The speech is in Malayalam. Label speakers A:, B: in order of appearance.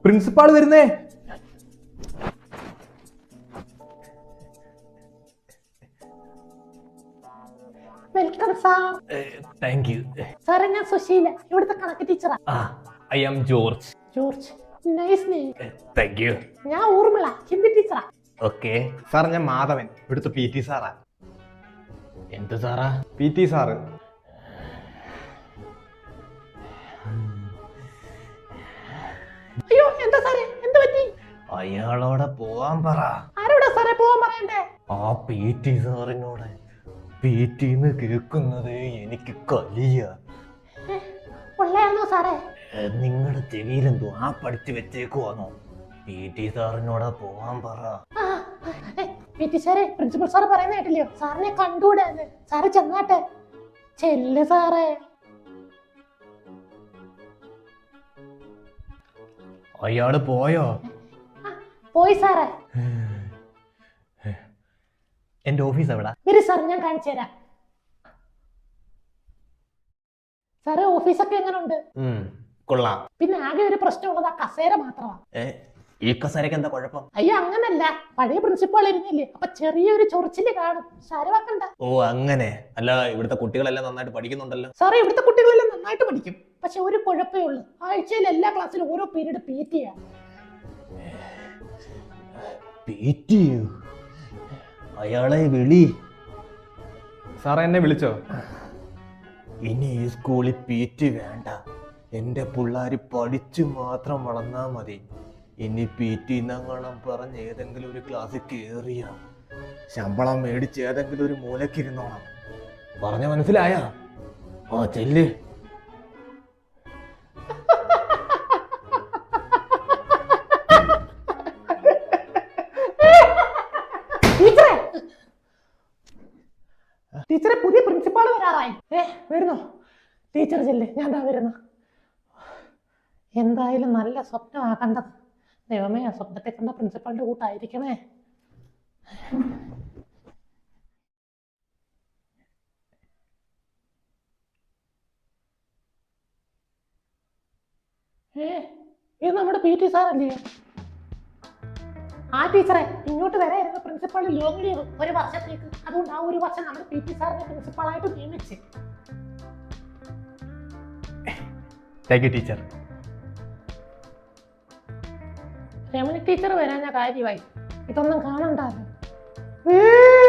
A: പ്രിൻസിപ്പാൾ വരുന്നേ.
B: Welcome sir.
A: താങ്ക് യു
B: സാറേ, ഞാൻ സുശീല, ഇവിടുത്തെ കണക്ക് ടീച്ചറാ.
A: I am George.
B: George, nice name.
A: Thank you.
B: ഞാൻ ഊർമിള, ഹിന്ദി ടീച്ചറാ.
A: ഓക്കെ സാർ, ഞാൻ മാധവൻ, ഇവിടുത്തെ PT സാറാ. എന്ത് സാറാ? PT sir.
B: അയ്യോ, എന്താ സാറേ, എന്ത് പറ്റി?
A: അയാളോടെ പോവാൻ പറ.
B: ആരോടാ സാറേ പോവാൻ പറയണ്ടേ?
A: ആ PT സാറിനോട്. PTന്ന് കേൾക്കുന്നത് എനിക്ക് കലിയ.
B: ഉള്ളയാണോ സാറേ?
A: നിങ്ങളുടെ ചെവിയിലെന്തോ ആ പഠിച്ചു വെച്ചേക്കുവാണോ? PT സാറിനോട് പോവാൻ പറ.
B: PT സാറേ, പ്രിൻസിപ്പൽ സാറ് പറയുന്ന കേട്ടില്ലയോ, സാറിനെ കണ്ടൂടെ? സാറ് ചെന്നാട്ടെ. ചെല്ല് സാറേ.
A: അയാള് പോയോ?
B: പോയി സാറേ.
A: എന്റെ ഓഫീസ് എവിടാ?
B: വരി സാർ, ഞാൻ കാണിച്ചു തരാം. സാറേ, ഓഫീസൊക്കെ എങ്ങനെയുണ്ട്?
A: കൊള്ളാം.
B: പിന്നെ ആകെ ഒരു പ്രശ്നമുള്ളത് ആ കസേര മാത്രമാണ്.
A: ഈ കസേരക്ക് എന്താ കുഴപ്പം?
B: അയ്യോ, അങ്ങനല്ല, പഴയ പ്രിൻസിപ്പാൾ ഇരുന്നില്ലേ, അപ്പൊ ചെറിയൊരു ചൊറിച്ചില് കാണും. സാരവാക്കണ്ട.
A: ഓ അങ്ങനെ. അല്ല, ഇവിടുത്തെ കുട്ടികളെല്ലാം നന്നായിട്ട് പഠിക്കുന്നുണ്ടല്ലോ.
B: സാറേ, ഇവിടുത്തെ കുട്ടികളെല്ലാം നന്നായിട്ട് പഠിക്കും. പക്ഷെ ഒരു കുഴപ്പമേ ഉള്ളൂ, ആഴ്ചയിൽ എല്ലാ ക്ലാസ്സിലും ഓരോ പീരീഡ് PT ആണ്.
A: PT? അയാളെ വിളി.
C: സാറേ, എന്നെ വിളിച്ചോ?
A: ഇനി ഈ സ്കൂളിൽ PT വേണ്ട. എന്റെ പിള്ളേര് പഠിച്ചു മാത്രം വളർന്നാ മതി. ഇനി PT എന്നങ്ങണം പറഞ്ഞ് ഏതെങ്കിലും ഒരു ക്ലാസ്സിൽ കേറിയ ശമ്പളം മേടിച്ച് ഏതെങ്കിലും ഒരു മൂലക്കിരുന്നോണം. പറഞ്ഞ മനസ്സിലായ? ഓ ചെല്ല്.
B: ടീച്ചറെ, പുതിയ പ്രിൻസിപ്പാൾ വരാറായി. വരുന്നോ? ടീച്ചർ ചെല്ല്, ഞാൻ ദാ വരുന്നു. എന്തായാലും നല്ല സ്വപ്നമാ കണ്ടത്. ദൈവമേ, ആ സ്വപ്നത്തെ കണ്ട പ്രിൻസിപ്പാളിന്റെ കൂട്ടായിരിക്കണേ. ഇത് നമ്മുടെ PT സാറല്ലേ? ആ ടീച്ചറെ, ഇങ്ങോട്ട് വരായിരുന്നു പ്രിൻസിപ്പാൾ ലോങ് ലീവ് ഒരു വർഷത്തേക്ക്. അതുകൊണ്ട് ആ ഒരു വർഷം നമ്മുടെ PT സാറിനെ പ്രിൻസിപ്പാളായിട്ട് നിയമിച്ച്.
A: Thank you teacher.
B: Ramani teacher വരാൻ ഞാൻ കാര്യമായി. ഇതൊന്നും കാണണ്ടാലോ.